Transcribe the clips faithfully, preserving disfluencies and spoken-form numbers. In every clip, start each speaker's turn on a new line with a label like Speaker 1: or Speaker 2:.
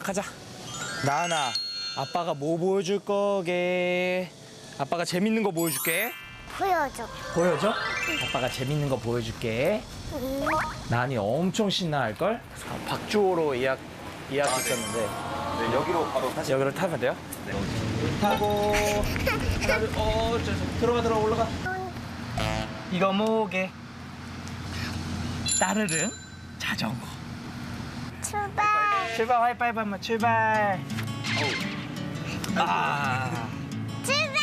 Speaker 1: 가자. 나은아, 아빠가 뭐 보여줄 거게? 아빠가 재밌는 거 보여줄게.
Speaker 2: 보여줘.
Speaker 1: 보여줘? 아빠가 재밌는 거 보여줄게.
Speaker 2: 응.
Speaker 1: 나은이 엄청 신나할걸? 아, 박주호로 예약, 예약했었는데.
Speaker 3: 네, 여기로 바로 다시.
Speaker 1: 여기로 타면 돼요? 네. 타고. 하나, 둘, 어, 저, 저, 들어가, 들어가, 올라가. 이거 뭐게? 따르릉 자전거.
Speaker 2: 출발.
Speaker 1: 출발, 하이파이브 한번 출발. 아.
Speaker 2: 출발.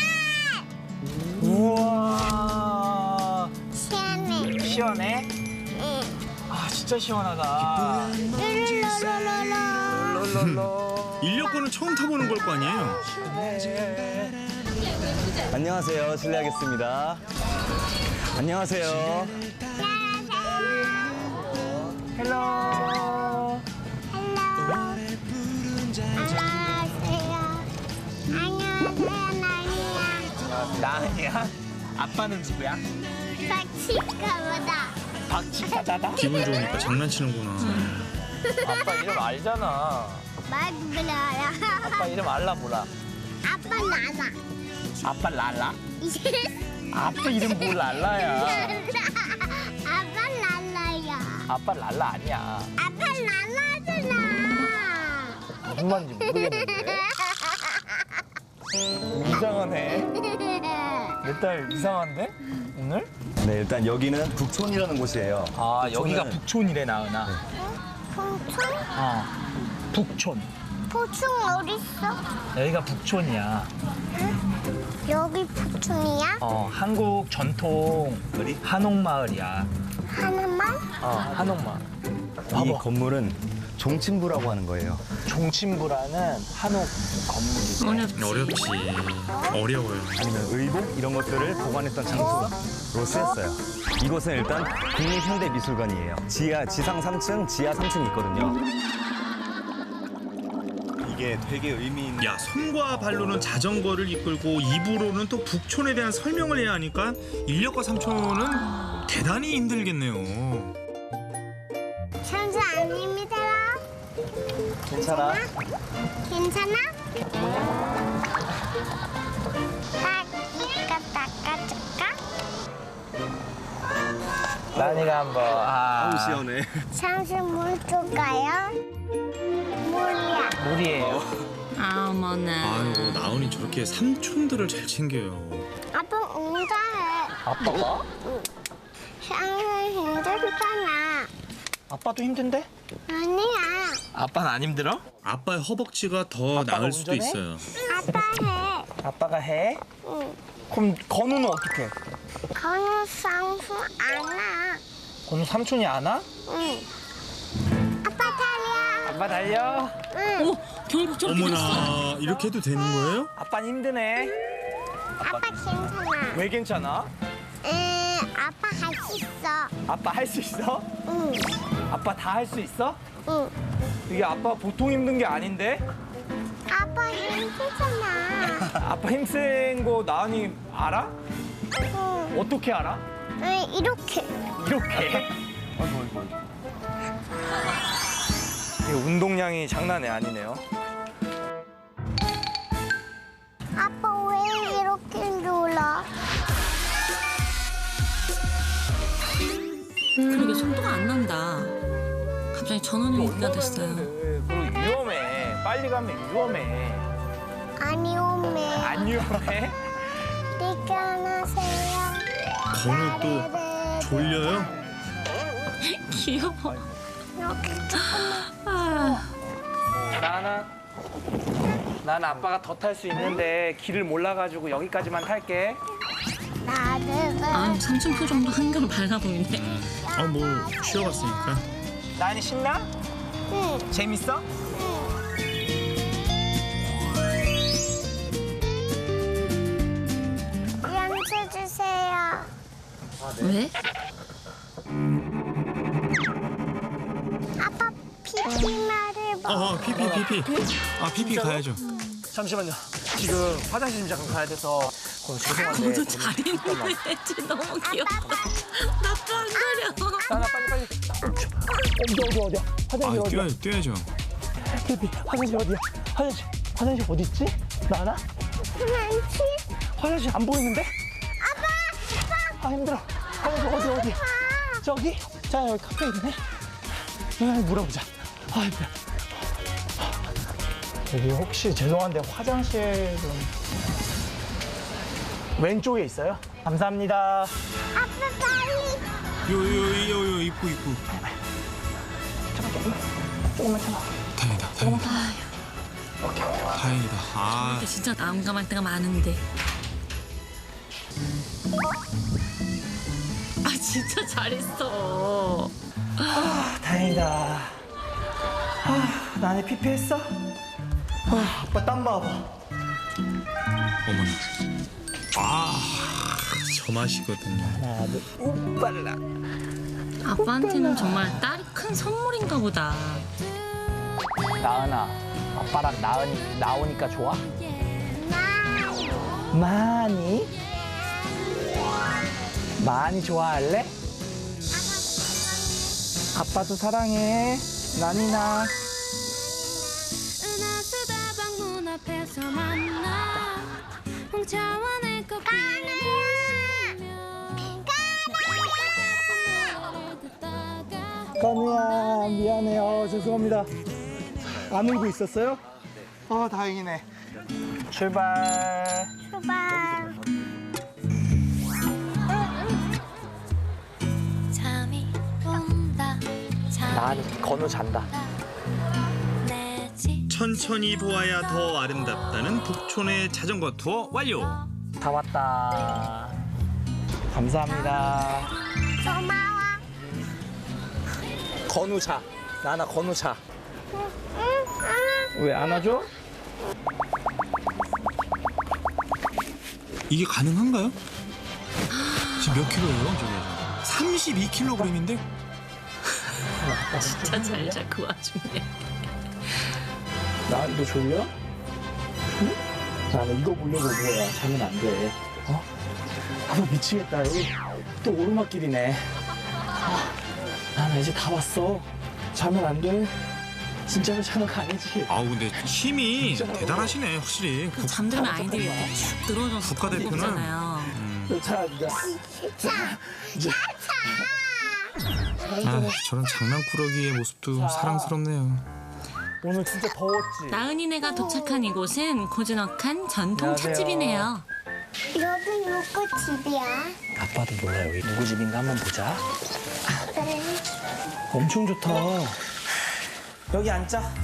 Speaker 1: 우와.
Speaker 2: 시원해.
Speaker 1: 시원해?
Speaker 2: 응.
Speaker 1: 아, 진짜 시원하다.
Speaker 2: 룰루루루루.
Speaker 1: 롤롤롤.
Speaker 4: 인력거는 처음 타보는 걸 거 아니에요?
Speaker 1: 네.
Speaker 3: 안녕하세요. 실례하겠습니다. 안녕하세요.
Speaker 1: 헬로.
Speaker 2: 안녕하세요, 나니야.
Speaker 1: 나은이야? 아빠는 누구야?
Speaker 2: 박치가보다.
Speaker 1: 박치가다다?
Speaker 4: 기분 좋으니까 장난치는구나.
Speaker 1: 아빠 이름 알잖아.
Speaker 2: 말 불러라.
Speaker 1: 아빠 이름 알라 몰라?
Speaker 2: 아빠 나나.
Speaker 1: 아빠 랄라? 아빠 이름 뭘 랄라야?
Speaker 2: 아빠 랄라야.
Speaker 1: 아빠 랄라 아니야.
Speaker 2: 아빠 랄라잖아.
Speaker 1: 무슨 말인지 모르겠는데. 이상하네. 내 딸 이상한데? 오늘?
Speaker 3: 네, 일단 여기는 북촌이라는 곳이에요.
Speaker 1: 아, 여기가
Speaker 3: 북촌은-
Speaker 1: 북촌이래, 나은아.
Speaker 2: 포충?
Speaker 1: 어. 북촌.
Speaker 2: 포충 어딨어?
Speaker 1: 여기가 북촌이야.
Speaker 2: 여기 포충이야?
Speaker 1: 어, 한국 전통
Speaker 3: 어디?
Speaker 1: 한옥마을이야.
Speaker 2: 하나만?
Speaker 1: 어, 한옥마을.
Speaker 3: 이
Speaker 1: 봐봐.
Speaker 3: 건물은 종친부라고 하는 거예요.
Speaker 1: 종친부라는 한옥 건물이고.
Speaker 4: 어렵지. 어려워요.
Speaker 3: 아니면 의복 이런 것들을 보관했던 장소로 쓰였어요. 이곳은 일단 국립현대미술관이에요. 지하, 지상 삼 층, 지하 삼 층이 있거든요. 이게 되게 의미 있는.
Speaker 4: 야, 손과 발로는 자전거를 이끌고 입으로는 또 북촌에 대한 설명을 해야 하니까 인력거 삼촌은 대단히 힘들겠네요.
Speaker 2: 천사 아닙니다.
Speaker 3: 괜찮아?
Speaker 2: 괜찮아? 닦이까 닦아줄까?
Speaker 1: 나은이가 한번. 아,
Speaker 3: 아우, 시원해.
Speaker 2: 잠시 물 줄까요? 물이야.
Speaker 1: 물이에요.
Speaker 5: 아, 어머나.
Speaker 4: 아이고, 나은이 저렇게 삼촌들을 잘 챙겨요.
Speaker 2: 아빠 응가해.
Speaker 1: 아빠가?
Speaker 2: 상을 힘들잖아.
Speaker 1: 아빠도 힘든데?
Speaker 2: 아니야.
Speaker 1: 아빠는 안 힘들어?
Speaker 4: 아빠의 허벅지가 더
Speaker 1: 아빠가
Speaker 4: 나을 수도
Speaker 1: 운전해?
Speaker 4: 있어요.
Speaker 2: 아빠 해.
Speaker 1: 아빠가 해?
Speaker 2: 응.
Speaker 1: 그럼 건우는 어떻게?
Speaker 2: 건우 상수 안 와.
Speaker 1: 건우 삼촌이 안 와?
Speaker 2: 응. 아빠 달려.
Speaker 1: 아빠 달려.
Speaker 2: 응.
Speaker 5: 어머, 결국 저렇게 됐어.
Speaker 4: 어머나, 이렇게 해도 되는 거예요?
Speaker 1: 아빠는 힘드네.
Speaker 2: 아빠 괜찮아.
Speaker 1: 왜 괜찮아?
Speaker 2: 응. 아빠 할 수 있어.
Speaker 1: 아빠 할 수 있어?
Speaker 2: 응.
Speaker 1: 아빠 다 할 수 있어?
Speaker 2: 응.
Speaker 1: 이게 아빠 보통 힘든 게 아닌데?
Speaker 2: 아빠 힘들잖아.
Speaker 1: 아빠 힘센 거 나은이 알아?
Speaker 2: 응.
Speaker 1: 어떻게 알아?
Speaker 2: 응. 이렇게.
Speaker 1: 이렇게? 이게 운동량이 장난이 아니네요.
Speaker 2: 아빠 왜 이렇게 놀아?
Speaker 5: 그러게 속도가 안 난다. 갑자기 전원이 있다 됐어요.
Speaker 1: 그리고 위험해. 빨리 가면 위험해.
Speaker 2: 아니 오메.
Speaker 1: 안 위험해?
Speaker 2: 일어나세요.
Speaker 4: 건우 또 졸려요?
Speaker 5: 귀여워.
Speaker 2: 이렇게
Speaker 5: 아,
Speaker 1: 나나. 난 아빠가 더 탈 수 있는데 길을 몰라가지고 여기까지만 탈게.
Speaker 2: 나를
Speaker 5: 아, 삼촌 표정도 한결 밝아 보이네.
Speaker 4: 아, 뭐 쉬어갔으니까.
Speaker 1: 나은이 신나?
Speaker 2: 응.
Speaker 1: 재밌어?
Speaker 2: 연주 주세요.
Speaker 5: 왜?
Speaker 2: 아빠 피피 말을 봐.
Speaker 4: 어, 피피, 피피. 아, 피피 가야죠.
Speaker 1: 잠시만요. 지금 화장실 좀 잠깐 가야 돼서. 어, 죄송한데.
Speaker 5: 너도 잘 있네. 쟤 너무 귀엽다. 나도 안 그려.
Speaker 1: 나나 빨리 빨리. 어디 어디 어디야? 화장실
Speaker 4: 아,
Speaker 1: 어디야?
Speaker 4: 뛰어야죠, 뛰어야죠.
Speaker 1: 피피 화장실 어디야? 화장실 화장실 어디 있지? 나나?
Speaker 2: 그렇지?
Speaker 1: 화장실 안 보이는데?
Speaker 2: 아빠! 아빠!
Speaker 1: 아 힘들어. 화장실 어디 어디? 저기? 자 여기 카페 있네. 여기 물어보자. 아 힘들어. 여기 혹시 죄송한데 화장실 좀 왼쪽에 있어요? 감사합니다.
Speaker 2: 아빠 빨리!
Speaker 4: 요요요요 입구 입구.
Speaker 1: 조금만 참아.
Speaker 4: 다행이다. 다행이다.
Speaker 1: 오케이.
Speaker 4: 다행이다. 아
Speaker 5: 근데 진짜 난감할 때가 많은데. 아 진짜 잘했어.
Speaker 1: 아 다행이다. 아 나네 피피했어? 아 아빠 땀 봐봐.
Speaker 4: 어머나. 아, 저 맛이거든요.
Speaker 1: 하나 둘 우빨라.
Speaker 5: 아빠한테는 정말 딸이 큰 선물인가 보다.
Speaker 1: 나은아 아빠랑 나은이 나오니까 좋아? 많이? 많이 좋아할래? 아빠도 사랑해. 난이나.
Speaker 6: 은하수다방 문 앞에서 만나 홍차와 내 커피를 마시며
Speaker 1: 까누야 미안해요. 죄송합니다. 안 울고 있었어요? 아 다행이네. 출발.
Speaker 2: 출발.
Speaker 6: 잠이 온다
Speaker 1: 난 건우 잔다.
Speaker 6: 내집
Speaker 4: 천천히 보아야 더 아름답다는 북촌의 자전거 투어 완료.
Speaker 1: 다 왔다. 감사합니다.
Speaker 2: 고마워.
Speaker 1: 건우 차. 나나 건우 차.
Speaker 2: 응, 응.
Speaker 1: 왜 안아줘?
Speaker 4: 이게 가능한가요? 지금 몇 킬로예요? 저게 삼십이 킬로그램인데?
Speaker 5: 진짜 잘자 그 와중에.
Speaker 1: 나 이거 졸려? 응? 나는 이거 보려고 뭐야. 자면 안 돼. 어? 아빠 미치겠다. 여기 또 오르막길이네. 아, 나는 이제 다 왔어. 자면 안 돼. 진짜로 자는 거 아니지?
Speaker 4: 아우 근데 힘이 대단하시네 확실히.
Speaker 5: 그 잠들면 아이들이 이렇게 축 늘어져서 더
Speaker 4: 국가대표는-
Speaker 5: 무겁잖아요.
Speaker 1: 자, 자, 자, 자.
Speaker 4: 아 저런 장난꾸러기의 모습도 사랑스럽네요.
Speaker 1: 오늘 진짜 더웠지?
Speaker 5: 나은이네가 도착한 이곳은 고즈넉한 전통
Speaker 1: 안녕하세요.
Speaker 5: 찻집이네요.
Speaker 2: 여기 누구 집이야?
Speaker 1: 아빠도 몰라. 여기 누구 집인가 한번 보자.
Speaker 2: 그래.
Speaker 1: 엄청 좋다. 여기 앉자.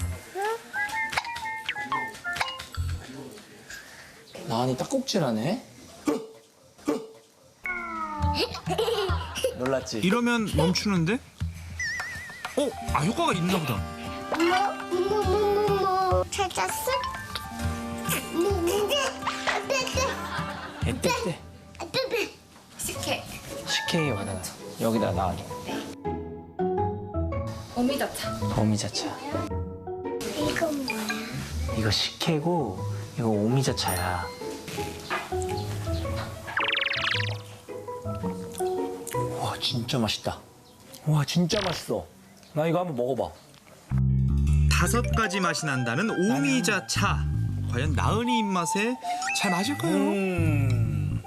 Speaker 1: 나은이 딱꼭질하네. 놀랐지?
Speaker 4: 이러면 멈추는데? 어? 아 효과가 있나 보다.
Speaker 2: 뭐? 뭐, 뭐, 뭐, 뭐. 찾았어? 뭐, 뭐.
Speaker 1: 에떼떼.
Speaker 6: 식혜
Speaker 1: 식혜에 와라. 여기다 놔.
Speaker 6: 오미자차
Speaker 1: 오미자차.
Speaker 2: 이건 뭐야?
Speaker 1: 이거 식혜고 이거 오미자차야. 와 진짜 맛있다. 와 진짜 맛있어. 나 이거 한번 먹어봐.
Speaker 4: 다섯 가지 맛이 난다는 오미자차. 과연 나은이 입맛에 잘 맞을까요?
Speaker 1: 음.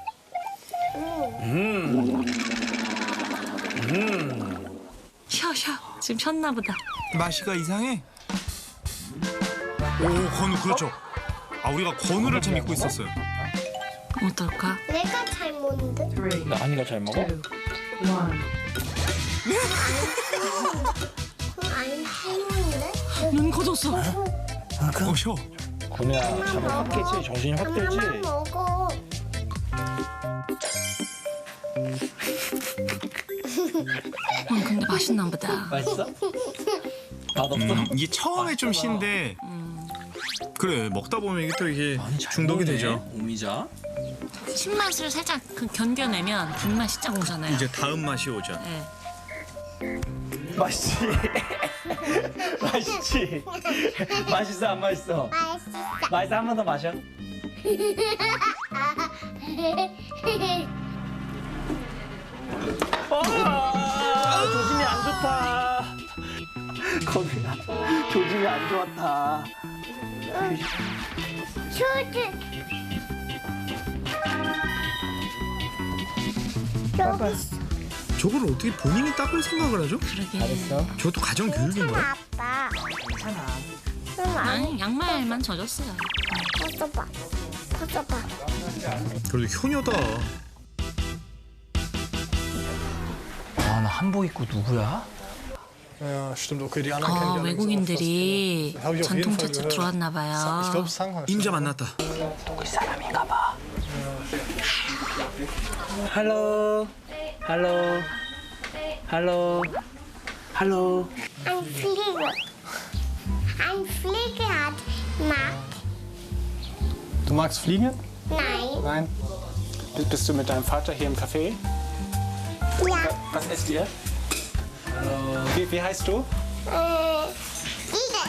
Speaker 1: 음. 음.
Speaker 5: 쉬어 쉬어. 지금 쉬었나 보다.
Speaker 4: 맛이가 이상해? 오 건우 그렇죠. 아 우리가 건우를 참 믿고 있었어요.
Speaker 5: 어떨까?
Speaker 2: 내가 잘 먹는데?
Speaker 1: 나은이가 잘 먹어?
Speaker 2: 그럼 안 쉬운데?
Speaker 5: 눈 커졌어.
Speaker 4: 어 쉬어.
Speaker 1: 건우야 잠을 확 깨지? 정신이 확 들지?
Speaker 2: 하나만 먹어.
Speaker 5: 응, 근데 맛있나 보다.
Speaker 1: 맛있어? 맛없어?
Speaker 4: 음, 이게 처음에 좀 신데 그래 먹다 보면 이게 또 이게 중독이 되죠.
Speaker 1: 오미자?
Speaker 5: 신맛을 살짝 그 견뎌내면 단맛이 쫙 오잖아요.
Speaker 4: 이제 다음 맛이 오죠.
Speaker 5: 네.
Speaker 1: 맛있지? 맛있지? 맛있어 안 맛있어?
Speaker 2: 맛있어.
Speaker 1: 맛있어 한 번 더 마셔. 아, 조심히 안 좋다. 건우야, 조짐이 안 좋았다.
Speaker 2: 슈즈. 여기 있어.
Speaker 4: 저걸 어떻게 본인이 닦을 생각을 하죠?
Speaker 5: 그러게.
Speaker 1: 잘했어.
Speaker 4: 저것도 가정 교육인가요?
Speaker 2: 아빠.
Speaker 1: 괜찮아.
Speaker 2: 응, 안
Speaker 5: 아니 양말만 젖었어요.
Speaker 2: 벗어봐. 벗어봐.
Speaker 4: 그래도 효녀다.
Speaker 1: 아, 나 한복 입고 누구야?
Speaker 7: Ja, stimmt. Okay, die anderen kenne
Speaker 5: 어,
Speaker 7: ich allerdings
Speaker 5: 외국인들이
Speaker 7: auch fast. Habe ich auf jeden
Speaker 5: 전통
Speaker 7: Fall
Speaker 5: 차차
Speaker 7: gehört.
Speaker 5: 들어왔나
Speaker 7: Ich
Speaker 5: 봐요.
Speaker 7: glaube, Sang
Speaker 4: 임자 만났다.
Speaker 1: 독일 사람인가 봐. 할로. 할로. 할로. 할로.
Speaker 2: Ein Flieger. Ein Flieger hat Macht.
Speaker 7: Du magst fliegen?
Speaker 2: Nein.
Speaker 7: Nein. Bist- Bist du mit deinem Vater hier im Café?
Speaker 2: Ja.
Speaker 7: Was esst ihr? Wie, wie heißt du?
Speaker 2: Äh, Igel.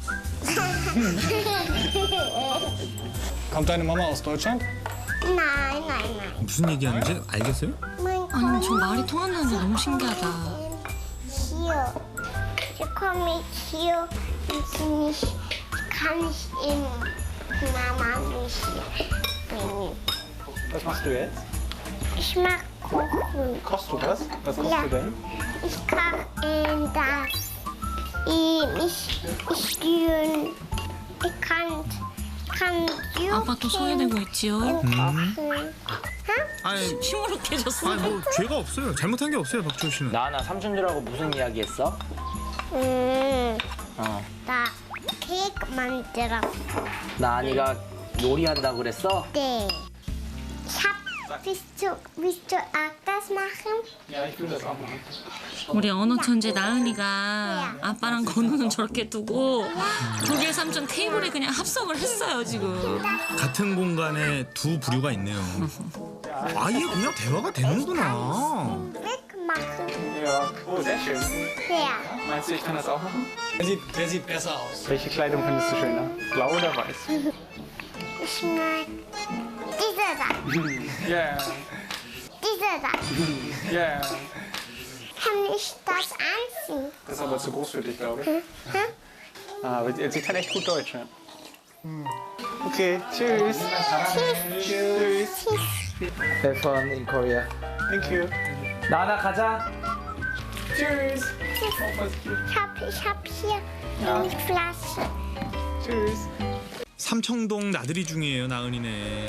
Speaker 7: Kommt deine Mama aus Deutschland?
Speaker 2: Nein, nein, nein.
Speaker 4: 무슨 얘기하는지 알겠어요?
Speaker 2: Mein
Speaker 5: 아니 저
Speaker 2: Gott.
Speaker 5: 말이 통한다는 게 너무 신기하다.
Speaker 2: Hier. Hier komme ich hier und sie nicht, kann ich in Mama nicht bringen.
Speaker 7: Was machst du jetzt?
Speaker 2: Ich mag Kuchen.
Speaker 7: Kochst du was? Was kochst
Speaker 2: Ja.
Speaker 7: du denn?
Speaker 2: Ich kann äh, das. Ich, ich, ich, ich, ich kann, kann
Speaker 5: 아빠 또 소개되고 있지요.
Speaker 2: kochen.
Speaker 4: 아니,
Speaker 5: 시무룩해졌어.
Speaker 4: 아니 뭐 죄가 없어요. 잘못한 게 없어요, 박주호 씨는.
Speaker 1: 나나 삼촌들하고 무슨 이야기 했어?
Speaker 2: 음,
Speaker 1: 어.
Speaker 2: 나 케이크 만들어.
Speaker 1: 나은이가 요리한다 그랬어?
Speaker 2: 네. Ich hab, willst du, willst du auch das machen?
Speaker 7: Ja, ich will das auch machen.
Speaker 5: 우리 언어 천재 나은이가 아빠랑 건우는 저렇게 두고 독일 삼촌 테이블에 그냥 합석을 했어요 지금.
Speaker 4: 같은 공간에 두 부류가 있네요. 아예 그냥 대화가 되는구나.
Speaker 2: Wegmachen.
Speaker 7: Ja. Oh, sehr schön.
Speaker 2: Ja.
Speaker 7: Meinst du, ich kann das auch machen? Der sieht, der sieht besser aus. Welche Kleidung findest du schöner? Blau oder weiß?
Speaker 2: Ich mag diese da.
Speaker 7: Ja,
Speaker 2: Diese da.
Speaker 7: ja.
Speaker 2: Kann ich das anziehen?
Speaker 7: Das ist aber zu groß für dich, glaube ich.
Speaker 2: Hm?
Speaker 7: Ah, aber sie kann echt gut Deutsch, ja. Okay, tschüss. Tschüss.
Speaker 1: Have fun in Korea.
Speaker 7: Thank you.
Speaker 1: 나나 가자.
Speaker 7: Tschüss.
Speaker 2: Ich hab, ich hab hier eine Flasche.
Speaker 7: Tschüss.
Speaker 4: 삼청동 나들이 중이에요, 나은이네.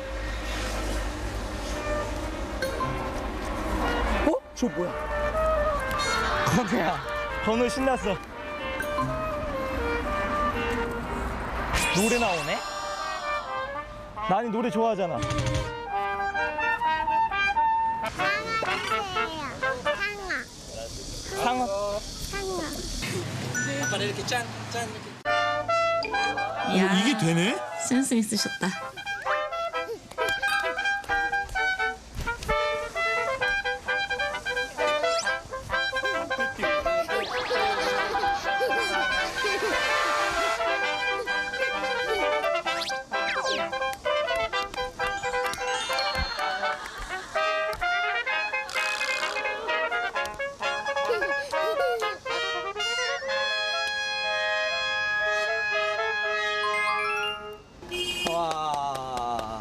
Speaker 1: 어? 저 뭐야? 건우야. 건우 신났어. 노래 나오네? 나니 노래 좋아하잖아.
Speaker 2: 상어.
Speaker 1: 상어.
Speaker 2: 상어.
Speaker 1: 아빠 이렇게 짠, 짠 이렇게.
Speaker 5: 야,
Speaker 4: 어, 이게 되네?
Speaker 5: 센스 있으셨다.
Speaker 1: 와.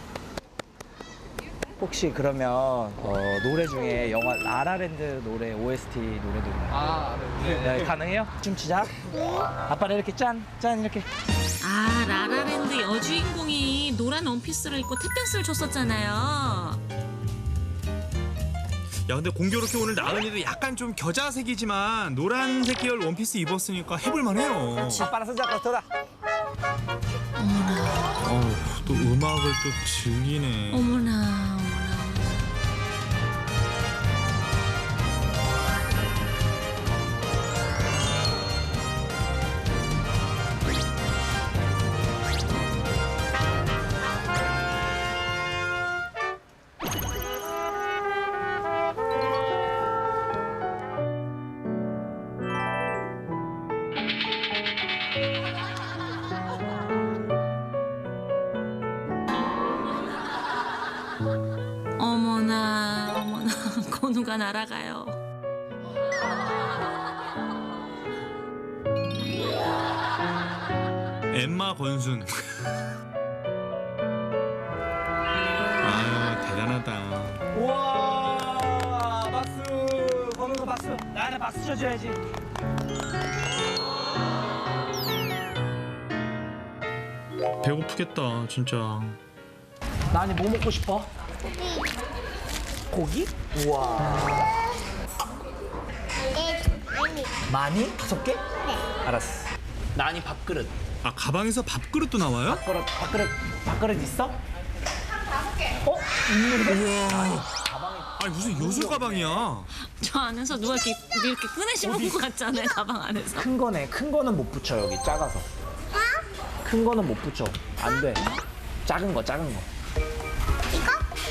Speaker 1: 혹시 그러면 어, 노래 중에 영화 라라랜드 노래 오에스티 노래도 있나요?
Speaker 7: Ah,
Speaker 1: 네, 가능해요? 춤추자. 아빠는 이렇게 짠, 짠 이렇게.
Speaker 5: 아 라라랜드 여주인공이 노란 원피스를 입고 탭댄스를 췄었잖아요.
Speaker 4: 야, 근데 공교롭게 오늘 나은이도 약간 좀 겨자색이지만 노란색 계열 원피스 입었으니까 해볼만 해요.
Speaker 1: 아빠랑 손잡고 돌아.
Speaker 4: 어우, 또 음악을 또 즐기네.
Speaker 5: 어머나 어머나. 어머나 어머나 건우가 날아가요.
Speaker 4: 건순. 아 대단하다.
Speaker 1: 우와 박수 건우가 박수 나나 박수 쳐줘야지.
Speaker 4: 배고프겠다 진짜.
Speaker 1: 나니 뭐 먹고 싶어? 고기? 우와
Speaker 2: 네, 아니.
Speaker 1: 많이? 다섯 개? 네 알았어. 나니 밥그릇
Speaker 4: 아 가방에서 밥그릇도 나와요?
Speaker 1: 밥그릇 밥그릇 밥그릇 있어? 어? 있는데?
Speaker 4: 아니 무슨 요술 가방이야.
Speaker 5: 저 안에서 누가 이렇게 이렇게 꺼내시는 것 같잖아요. 가방 안에서.
Speaker 1: 큰 거네. 큰 거는 못 붙여 여기 작아서. 큰 거는 못 붙여. 안 돼. 작은 거, 작은 거.
Speaker 2: 이거?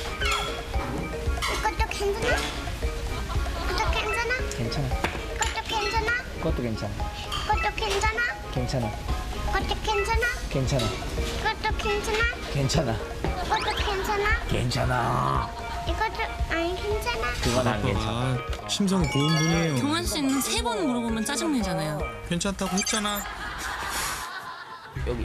Speaker 2: 이것도 괜찮아? 이것도 괜찮아?
Speaker 1: 괜찮아.
Speaker 2: 이것도 괜찮아?
Speaker 1: 그것도 괜찮아.
Speaker 2: 이것도 괜찮아?
Speaker 1: 괜찮아.
Speaker 2: 이것도 괜찮아?
Speaker 1: 괜찮아.
Speaker 2: 이것도 괜찮아?
Speaker 1: 괜찮아.
Speaker 2: 이것도 괜찮아?
Speaker 1: 괜찮아.
Speaker 2: 이것도 아니 괜찮아?
Speaker 1: 그건 안 괜찮아.
Speaker 4: 아, 심성이 고운 분이에요.
Speaker 5: 경환 씨는 세 번 물어보면 짜증내잖아요.
Speaker 4: 괜찮다고 했잖아.
Speaker 1: 여기.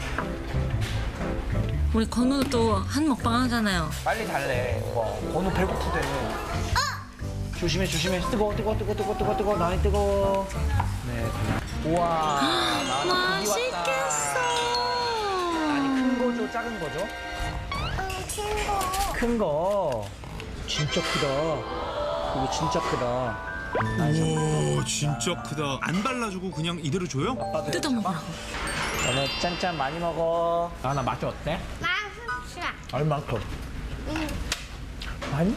Speaker 5: 우리 건우도 또 한 먹방 하잖아요.
Speaker 1: 빨리 달래. 뭐 건우 배고프대. 조심해, 조심해. 뜨거, 뜨거, 뜨거, 뜨거, 뜨거, 뜨거. 나이 뜨거. 네. 우와. 나는 고기 왔다.
Speaker 5: 맛있겠어.
Speaker 1: 아니 큰 거죠, 작은 거죠?
Speaker 2: 응, 친구.
Speaker 1: 큰 거. 진짜 크다. 이거 진짜 크다.
Speaker 4: 오 진짜 크다. 안 발라주고 그냥 이대로 줘요?
Speaker 5: 뜯어 먹으라고.
Speaker 1: 너네 짠짠 많이 먹어. 나나 맛이 어때?
Speaker 2: 맛있어.
Speaker 1: 얼만큼?
Speaker 2: 응.
Speaker 1: 많이?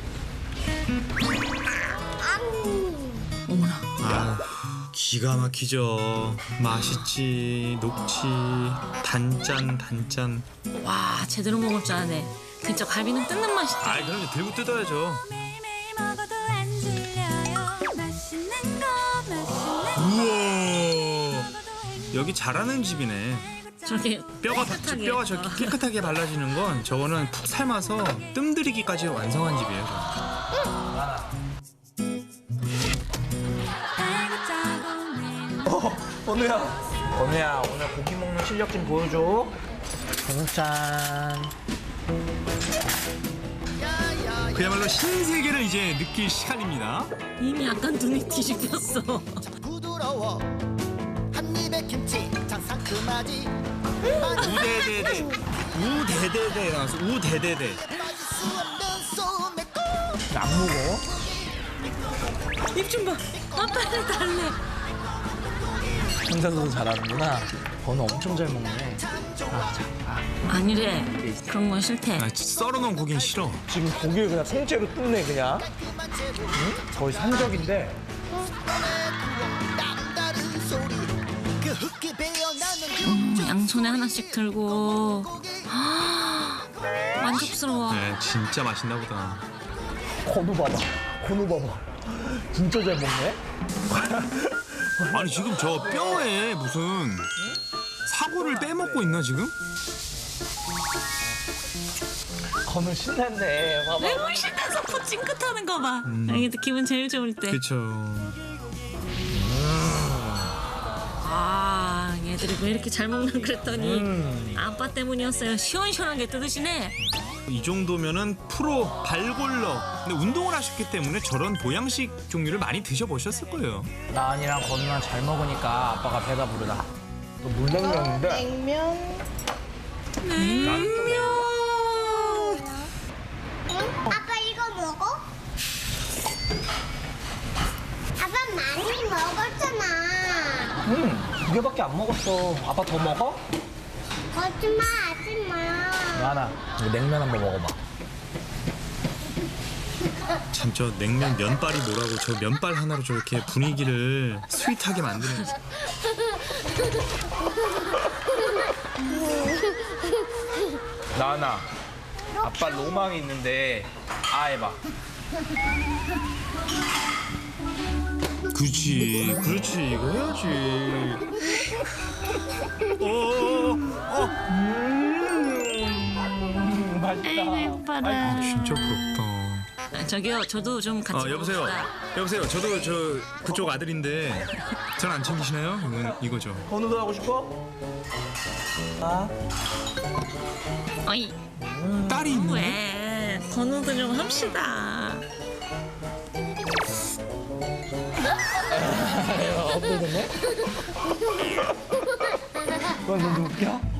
Speaker 2: 음.
Speaker 4: 아 기가 막히죠. 맛있지 녹지 단짠 단짠.
Speaker 5: 와 제대로 먹을 줄 아네. 진짜 갈비는 뜯는 맛이지.
Speaker 4: 아 그럼 이제 들고 뜯어야죠.
Speaker 6: 매일매일 먹어도 안 질려요. 맛있는 거 맛있는
Speaker 4: 우와 여기 잘하는 집이네.
Speaker 5: 저렇게
Speaker 4: 뼈가
Speaker 5: 깨끗하게.
Speaker 4: 뼈가 저렇게 깨끗하게 발라지는 건 저거는 푹 삶아서 뜸들이기까지 완성한 집이에요.
Speaker 1: 어, 건우야. 건우야, 오늘 고기 먹는 실력 좀 보여줘. 건우 짠.
Speaker 4: 그야말로 신세계를 이제 느낄 시간입니다.
Speaker 5: 이미 약간 눈이 뒤집혔어.
Speaker 8: 부드러워 한 입에 김치 참 상큼하지
Speaker 4: 우대대대 우대대대 나왔어. 우대대대.
Speaker 8: 빠질 수 없는 소매고
Speaker 1: 안 먹어?
Speaker 5: 입 좀 봐. 아빠를 달래.
Speaker 1: 혼자서도 잘하는구나. 건우 엄청 잘 먹네.
Speaker 5: 아니래. 그런 건 싫대.
Speaker 4: 아, 썰어놓은 고기는 싫어.
Speaker 1: 지금 고기를 그냥 통째로 뜯네, 그냥. 응? 거의 산적인데.
Speaker 8: 남다른 소리 그 흙이 배어나는
Speaker 5: 음, 양손에 하나씩 들고. 만족스러워.
Speaker 4: 네, 진짜 맛있나 보다.
Speaker 1: 건우 봐봐. 건우 봐봐. 진짜 잘 먹네.
Speaker 4: 아니 지금 저 뼈에 무슨 사고를 빼먹고 있나 지금?
Speaker 1: 건우 신났네. 봐봐.
Speaker 5: 매물 신나서 코 찡긋하는 거 봐. 이게 기분 제일 좋을 때.
Speaker 4: 그쵸.
Speaker 5: 아 얘들이 왜 이렇게 잘 먹나 그랬더니
Speaker 1: 음.
Speaker 5: 아빠 때문이었어요. 시원시원하게 뜯으시네.
Speaker 4: 이 정도면은 프로 발골러. 근데 운동을 하셨기 때문에 저런 보양식 종류를 많이 드셔보셨을 거예요.
Speaker 1: 나은이랑 건우랑 잘 먹으니까 아빠가 배가 부르다. 또 물냉면인데.
Speaker 2: 냉면.
Speaker 5: 냉면.
Speaker 2: 응? 아빠 이거 먹어? 아빠 많이 먹었잖아.
Speaker 1: 응, 두 개밖에 안 먹었어. 아빠 더 먹어?
Speaker 2: 거짓말 하지 마.
Speaker 1: 나나, 이거 냉면 한번 먹어봐.
Speaker 4: 참 저 냉면 면발이 뭐라고 저 면발 하나로 저렇게 분위기를 스윗하게 만드는.
Speaker 1: 나나, 아빠 로망이 있는데 아 해봐.
Speaker 4: 그렇지, 그렇지, 이거 해야지. 어, 어,
Speaker 1: 음, 맛있다.
Speaker 5: 아이고 예뻐라.
Speaker 4: 진짜 부럽다.
Speaker 5: 아, 저기요 저도 좀 같이
Speaker 4: 어, 여보세요.
Speaker 5: 먹읍시다.
Speaker 4: 여보세요. 저도 저 그쪽 아들인데 잘 안 챙기시나요? 이건 이거죠.
Speaker 1: 건우도 하고 싶어?
Speaker 5: 어이,
Speaker 4: 딸이 있는데?
Speaker 5: 왜? 건우도 좀 합시다.
Speaker 1: 너 너무 웃겨?